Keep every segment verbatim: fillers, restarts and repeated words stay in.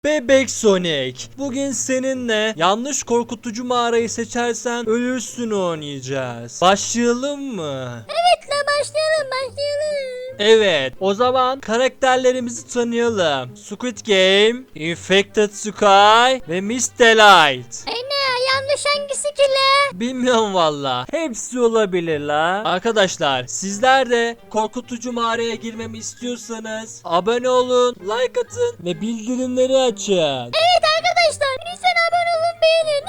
Bebek Sonic, bugün seninle yanlış korkutucu mağarayı seçersen ölürsün oynayacağız. Başlayalım mı? Evet la başlayalım başlayalım. Evet, o zaman karakterlerimizi tanıyalım. Squid Game, Infected Sky ve Miss Delight. Ana yanlış hangisi ki la? Bilmiyorum valla. Hepsi olabilir la. Arkadaşlar, sizler de korkutucu mağaraya girmemi istiyorsanız abone olun, like atın ve bildirimleri açın. Evet arkadaşlar lütfen abone olun beğenin.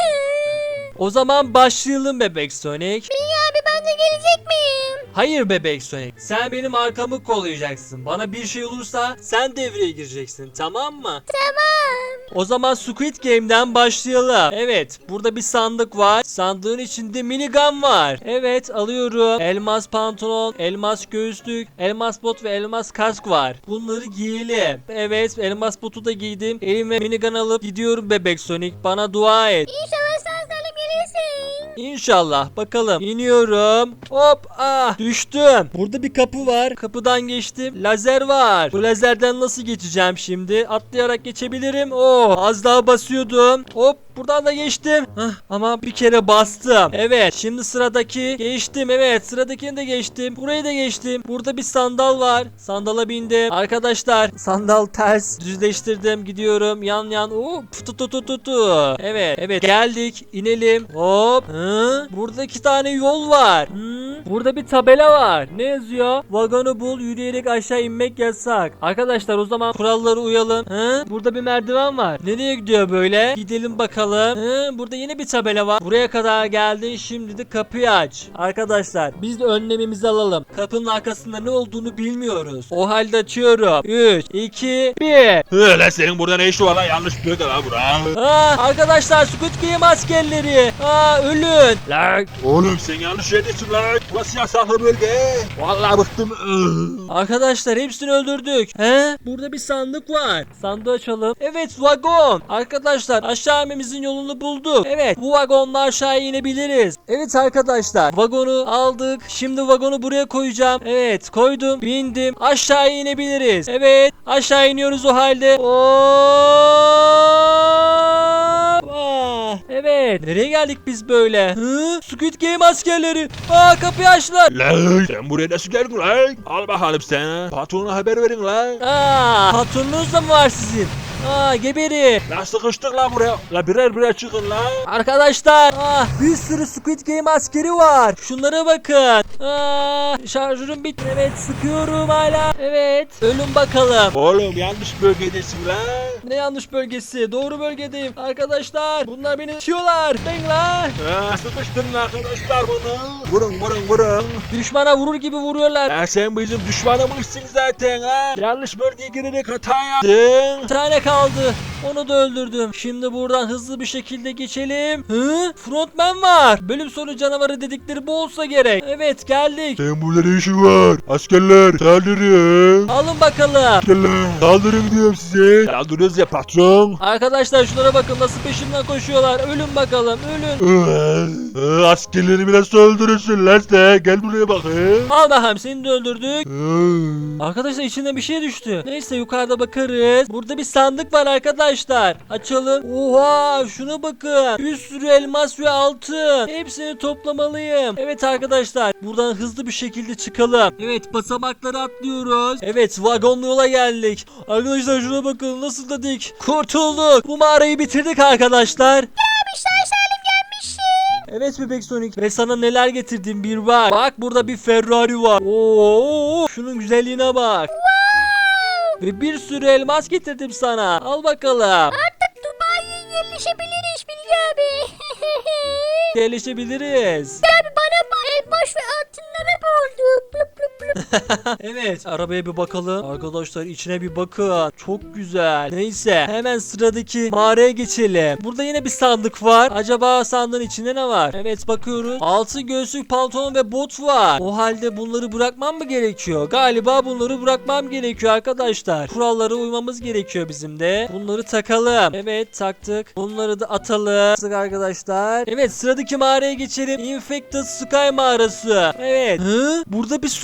O zaman başlayalım Bebek Sonic. Bilge abi ben de gelecek miyim? Hayır Bebek Sonic, sen benim arkamı kollayacaksın. Bana bir şey olursa sen devreye gireceksin, tamam mı? Tamam. O zaman Squid Game'den başlayalım. Evet, burada bir sandık var. Sandığın içinde minigun var. Evet, alıyorum. Elmas pantolon, elmas göğüslük, elmas bot ve elmas kask var. Bunları giyelim. Evet, elmas botu da giydim. Elime minigun alıp gidiyorum Bebek Sonic. Bana dua et. İnşallah sağ salim gelirsin. İnşallah. Bakalım. İniyorum. Hop. Ah. Düştüm. Burada bir kapı var. Kapıdan geçtim. Lazer var. Bu lazerden nasıl geçeceğim şimdi? Atlayarak geçebilirim. Oo. Az daha basıyordum. Hop. Buradan da geçtim. Hah, ama bir kere bastım. Evet. Şimdi sıradaki geçtim. Evet. Sıradakini de geçtim. Burayı da geçtim. Burada bir sandal var. Sandala bindim. Arkadaşlar sandal ters. Düzleştirdim. Gidiyorum. Yan yan. Oo. Tu tu tu tu tu. Evet. Evet. Geldik. İnelim. Hop. Hı? Burada iki tane yol var. Hı? Burada bir tabela var. Ne yazıyor? Vagonu bul. Yürüyerek aşağı inmek yasak. Arkadaşlar o zaman kurallara uyalım. Hı? Burada bir merdiven var. Nereye gidiyor böyle? Gidelim bakalım. Hı? Burada yine bir tabela var. Buraya kadar geldin. Şimdi de kapıyı aç. Arkadaşlar biz de önlemimizi alalım. Kapının arkasında ne olduğunu bilmiyoruz. O halde açıyorum. üç, iki, bir. Öyle senin burada ne işin var lan, yanlış bölge lan bura. Aa, arkadaşlar Squid Game askerleri. Aa, ölün. Lan oğlum sen yanlış yerdesin lan. Burası yasaklı bölge. Vallahi bıktım. Arkadaşlar hepsini öldürdük. He? Burada bir sandık var. Sandığı açalım. Evet, vagon. Arkadaşlar aşağı inmemizin yolunu bulduk. Evet, bu vagonla aşağı inebiliriz. Evet arkadaşlar, vagonu aldık. Şimdi vagonu buraya koyacağım. Evet, koydum. Bindim. Aşağı inebiliriz. Evet, aşağı iniyoruz o halde. Hop! Ah, evet. Nereye geldik biz böyle? Hı? Squid Game askerleri. Aa, kapıyı açtılar. Lan sen buraya nasıl geldin lan? Al bakalım sen. Patrona haber verin lan. Aa, patronunuz da mı var sizin? Aa, geberi. Lan sıkıştık lan buraya. La birer birer çıkın lan. Arkadaşlar, ah, bir sürü Squid Game askeri var. Şunlara bakın. Aa, şarjörüm bitti. Evet, sıkıyorum hala. Evet, ölün bakalım. Oğlum yanlış bölgedesin lan. Ne yanlış bölgesi? Doğru bölgedeyim. Arkadaşlar, bunlar beni itiyorlar. Ben lan. Ha, sıkıştın arkadaşlar bunu. Vurun vurun vurun. Düşmana vurur gibi vuruyorlar. Ha, sen bizim düşmanımızsın zaten ha. Yanlış bölgeye girerek hata yaptın. Bir tane kaldı. Onu da öldürdüm. Şimdi buradan hızlı bir şekilde geçelim. Hı? Frontman var. Bölüm sonu canavarı dedikleri bu olsa gerek. Evet, geldik. Sen burada ne işin var? Askerler saldırın. Alın bakalım. Askerler saldırın diyorum size. Saldırıyoruz ya patron. Arkadaşlar şunlara bakın nasıl peşimden koşuyorlar. Ölün bakalım, ölün. Ee, askerleri biraz öldürürsün lan sen. Gel buraya bakayım. Al bakalım, seni de öldürdük. Ee, Arkadaşlar içinde bir şey düştü. Neyse yukarıda bakarız. Burada bir sandık var arkadaşlar. Açalım. Oha, şuna bakın. Bir sürü elmas ve altın. Hepsini toplamalıyım. Evet arkadaşlar, buradan hızlı bir şekilde çıkalım. Evet, basamakları atlıyoruz. Evet, vagonlu yola geldik. Arkadaşlar şuna bakın, nasıl da dik. Kurtulduk. Bu mağarayı bitirdik arkadaşlar. Abi sağ salim gelmişsin. Evet Bebek Sonic, ve sana neler getirdim bir bak. Bak, burada bir Ferrari var. Oo, şunun güzelliğine bak. Ve bir sürü elmas getirdim sana. Al bakalım. Artık Dubai'ye yerleşebiliriz Bilge abi. Yerleşebiliriz. Abi bana bak elmas ve altınlara oldu. Blup blup blup. Evet, arabaya bir bakalım. Arkadaşlar içine bir bakın. Çok güzel. Neyse, hemen sıradaki mağaraya geçelim. Burada yine bir sandık var. Acaba sandığın içinde ne var? Evet, bakıyoruz. Altı göğüslük, pantolon ve bot var. O halde bunları bırakmam mı gerekiyor? Galiba bunları bırakmam gerekiyor arkadaşlar. Kurallara uymamız gerekiyor bizim de. Bunları takalım. Evet, taktık. Bunları da atalım. Taktık arkadaşlar. Evet, sıradaki mağaraya geçelim. Infected Sky mağarası. Evet. Hı? Burada bir su var.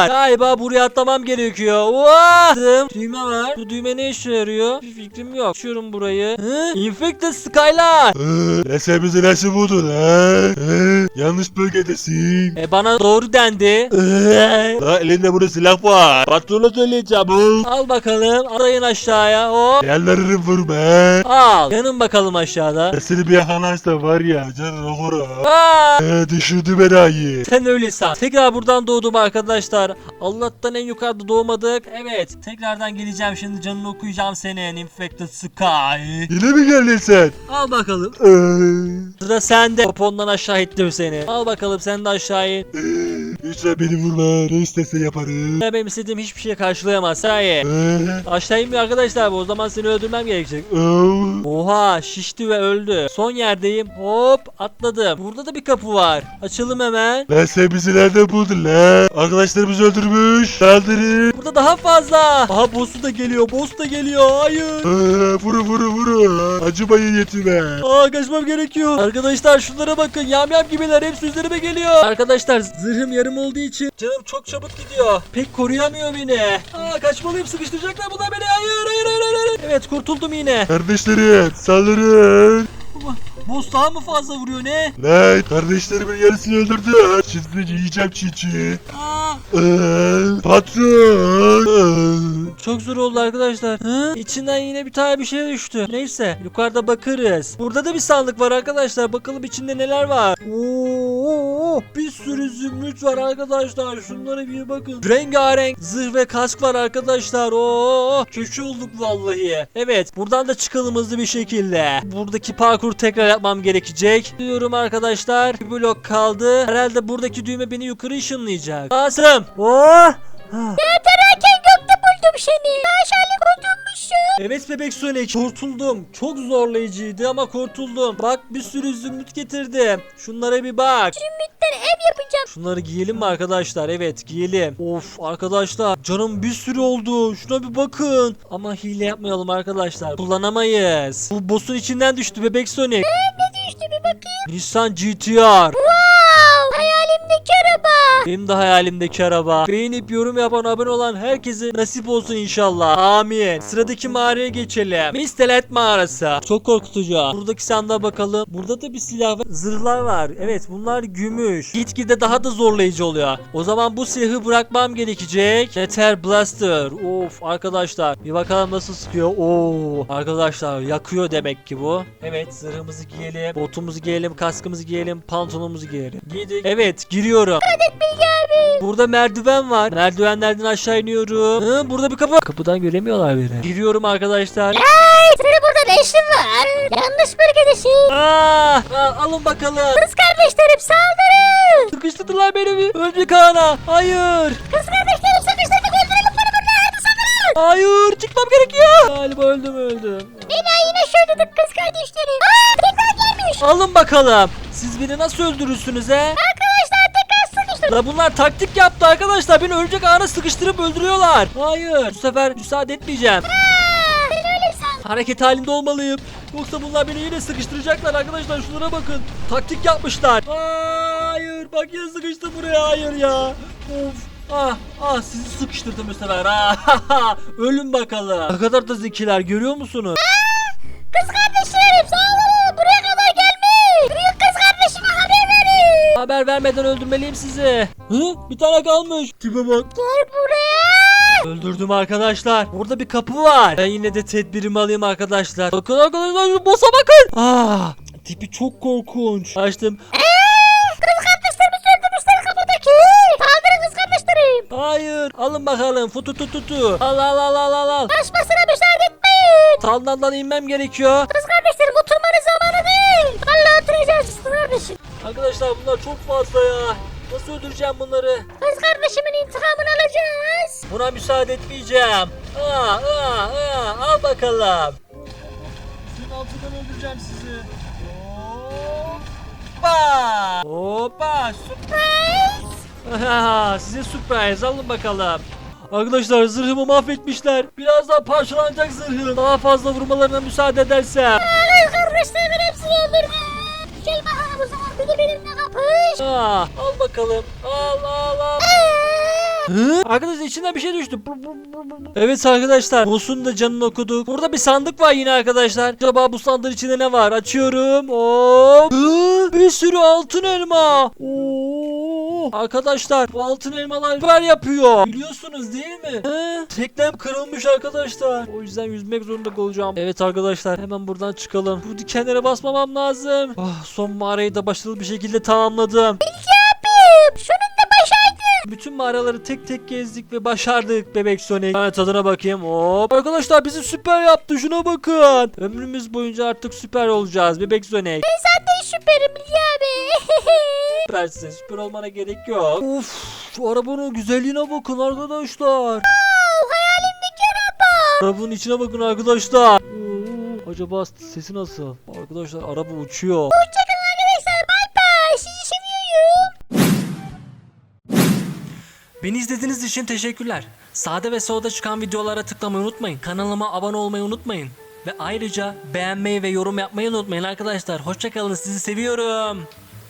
var. Galiba buraya atlamam gerekiyor. Wow! Düğme var. Bu düğme ne işe yarıyor? Bir fikrim yok. Açıyorum burayı. Hı? Infected Skylar. Ee, sen bizi nasıl buldun ha? Ee, yanlış bölgedesin. E bana doğru dendi. Ee, la elinde burada silah var. Patrona söyle çabuk. Al bakalım. Atlayın aşağıya. Hop. Yerlerini vurma. Al. Yanın bakalım aşağıda. Seni bir yakalarsa var ya canın okur ha. Aa! Ee, düşürdü beni ayı. Sen öyle san. Tekrar buradan doğdum arkadaşlar. Allah'tan en yukarıda doğmadık. Evet. Tekrardan geleceğim şimdi, canını okuyacağım senin. Infected Sky. Yine mi geldin sen? Al bakalım. Ee, Sıra sende. Popondan aşağı ittim seni. Al bakalım sen de aşağı in. lütfen beni vurma. Ne istese yaparım. Benim istediğim hiçbir şeye karşılayamaz. Hayır. Ee, Aşağı inmiyor arkadaşlar bu. O zaman seni öldürmem gerekecek. oh. Oha, şişti ve öldü. Son yerdeyim. Hop, atladım. Burada da bir kapı var. Açalım hemen. Lan sen bizi nereden buldun la? Arkadaşlarımızı öldürmüş. Saldırın. Burada daha fazla. Aha, boss'u da geliyor. Boss da geliyor. Hayır. Ee, vuru vuru vuru. Acımayın yetime. Aa, kaçmam gerekiyor. Arkadaşlar şunlara bakın. Yamyam gibiler. Hepsi üzerime geliyor. Arkadaşlar zırhım yarım olduğu için canım çok çabuk gidiyor. Pek koruyamıyor beni. Aa, kaçmalıyım. Sıkıştıracaklar bunlar beni. Hayır hayır hayır hayır. Evet, kurtuldum yine. Kardeşlerim saldırın. Boss daha mı fazla vuruyor ne? Lan kardeşlerimin yarısını öldürdü. Şimdi yiyeceğim çiğ çiğ. Aa, Ee, patron. Ee. çok zor oldu arkadaşlar. Hı? İçinden yine bir tane bir şey düştü. Neyse, yukarıda bakarız. Burada da bir sandık var arkadaşlar. Bakalım içinde neler var. Oo, bir sürü zümrüt var arkadaşlar. Şunlara bir bakın. Rengarenk zırh ve kask var arkadaşlar. Oo, köşe olduk vallahi. Evet, buradan da çıkalım hızlı bir şekilde. Buradaki parkur tekrar yapmam gerekecek. Diyorum arkadaşlar. Bir blok kaldı. Herhalde buradaki düğme beni yukarı ışınlayacak. Basım. Oh! Yatarken gökte buldum seni. Aşağılık kurtulmuşsun. Evet bebek Sonic, kurtuldum. Çok zorlayıcıydı ama kurtuldum. Bak, bir sürü zümrüt getirdim. Şunlara bir bak. Zümrütten ev yapacağım. Şunları giyelim mi arkadaşlar? Evet, giyelim. Of arkadaşlar, canım bir sürü oldu. Şuna bir bakın. Ama hile yapmayalım arkadaşlar. Kullanamayız. Bu boss'un içinden düştü bebek Sonic. Ne düştü bir bakayım. Nissan G T R. Wow. Hayalimdeki araba. Benim de hayalimdeki araba. Beğenip yorum yapan, abone olan herkese nasip olsun inşallah. Amin. Sıradaki mağaraya geçelim. Mistelet mağarası. Çok korkutucu. Buradaki sandığa bakalım. Burada da bir silah ve zırhlar var. Evet, bunlar gümüş. Gitgide daha da zorlayıcı oluyor. O zaman bu silahı bırakmam gerekecek. Nether Blaster. Of arkadaşlar. Bir bakalım nasıl sıkıyor. Oo arkadaşlar, yakıyor demek ki bu. Evet, zırhımızı giyelim. Botumuzu giyelim. Kaskımızı giyelim. Pantolonumuzu giyelim. Giydik. Evet, giriyorum. Burada merdiven var. Merdivenlerden aşağı iniyorum. Hı, burada bir kapı. Kapıdan göremiyorlar beni. Giriyorum arkadaşlar. Hey, senin burada ne işin var? Yanlış bölgedesin. Aa, aa, alın bakalım. Kız kardeşlerim saldırın. Sıkıştırdılar beni. Öldük ana. Hayır. Kız kardeşlerim sıkıştırdık, öldürelim beni burada. Hadi saldırın. Hayır. Çıkmam gerekiyor. Galiba öldüm öldüm. Beni yine şöyle kız kardeşlerim. Aa, tekrar gelmiş. Alın bakalım. Siz beni nasıl öldürürsünüz he? Arkadaşlar tekrar sıkıştırın. La bunlar taktik yaptı arkadaşlar. Beni ölecek ana sıkıştırıp öldürüyorlar. Hayır. Bu sefer müsaade etmeyeceğim. Aa, sen öyle san. Hareket halinde olmalıyım. Yoksa bunlar beni yine sıkıştıracaklar arkadaşlar. Şunlara bakın. Taktik yapmışlar. Hayır. Bak yine sıkıştı buraya. Hayır ya. Of. Ah, ah sizi sıkıştırdım bu sefer. Ah, ölün bakalım. Ne kadar da zekiler, görüyor musunuz? Kız kardeşlerim saldırın. Buraya kadar gelmiş. Büyük kız kardeşime haber verin. Haber vermeden öldürmeliyim sizi. Hı? Bir tane kalmış. Tipe bak. Gel buraya. Öldürdüm arkadaşlar. Burada bir kapı var. Ben yine de tedbirimi alayım arkadaşlar. Bakın arkadaşlar, şu boss'a bakın. Ah, tipi çok korkunç. Açtım. Kız kardeşlerimizi öldürmüşler kapıdaki. Saldırın kız kardeşlerim. Hayır. Alın bakalım. Futu tu tu tu. Al al al al al al. Kaçmasına müsaade etmeyin. Saldandan inmem gerekiyor. Kız kardeşlerim oturmanın zamanı değil. Valla oturacağız kız kardeşim. Arkadaşlar bunlar çok fazla ya. Nasıl öldüreceğim bunları? Kız kardeşimin intikamını alacağız. Buna müsaade etmeyeceğim. Aa, aa, aa. Al bakalım. Sizin altından öldüreceğim sizi. Hoppa. Hoppa. Surprise. Size surprise. Alın bakalım. Arkadaşlar zırhımı mahvetmişler. Birazdan parçalanacak zırhım. Daha fazla vurmalarına müsaade edersem. Kız kardeşlerimin hepsini öldürdüm. Gel bakalım o zaman bir de benimle kapış. Aa, al bakalım. Al al al. Aa, Hı? Arkadaşlar içinden bir şey düştü. Evet arkadaşlar. Boss'un da canını okuduk. Burada bir sandık var yine arkadaşlar. Acaba bu sandığın içinde ne var? Açıyorum. Hop. Hı? Bir sürü altın elma. Oo. Arkadaşlar bu altın elmalar süper yapıyor. Biliyorsunuz değil mi? He? Teknem kırılmış arkadaşlar. O yüzden yüzmek zorunda kalacağım. Evet arkadaşlar hemen buradan çıkalım. Bu dikenlere basmamam lazım. Oh, son mağarayı da başarılı bir şekilde tamamladım. Sonunda başardım. Bütün mağaraları tek tek gezdik ve başardık bebek Sonic. Ben tadına bakayım. Hop. Arkadaşlar bizi süper yaptı. Şuna bakın. Ömrümüz boyunca artık süper olacağız bebek Sonic. Zaten süperim Bilge abi. Süpersin. Süper olmana gerek yok. Of. Şu arabanın güzelliğine bakın arkadaşlar. Hayalimdeki araba. Arabanın içine bakın arkadaşlar. Oo, acaba sesi nasıl? Arkadaşlar araba uçuyor. Hoşçakalın arkadaşlar. Bay bay. Sizi seviyorum. Beni izlediğiniz için teşekkürler. Sağda ve solda çıkan videolara tıklamayı unutmayın. Kanalıma abone olmayı unutmayın. Ve ayrıca beğenmeyi ve yorum yapmayı unutmayın arkadaşlar. Hoşçakalın, sizi seviyorum.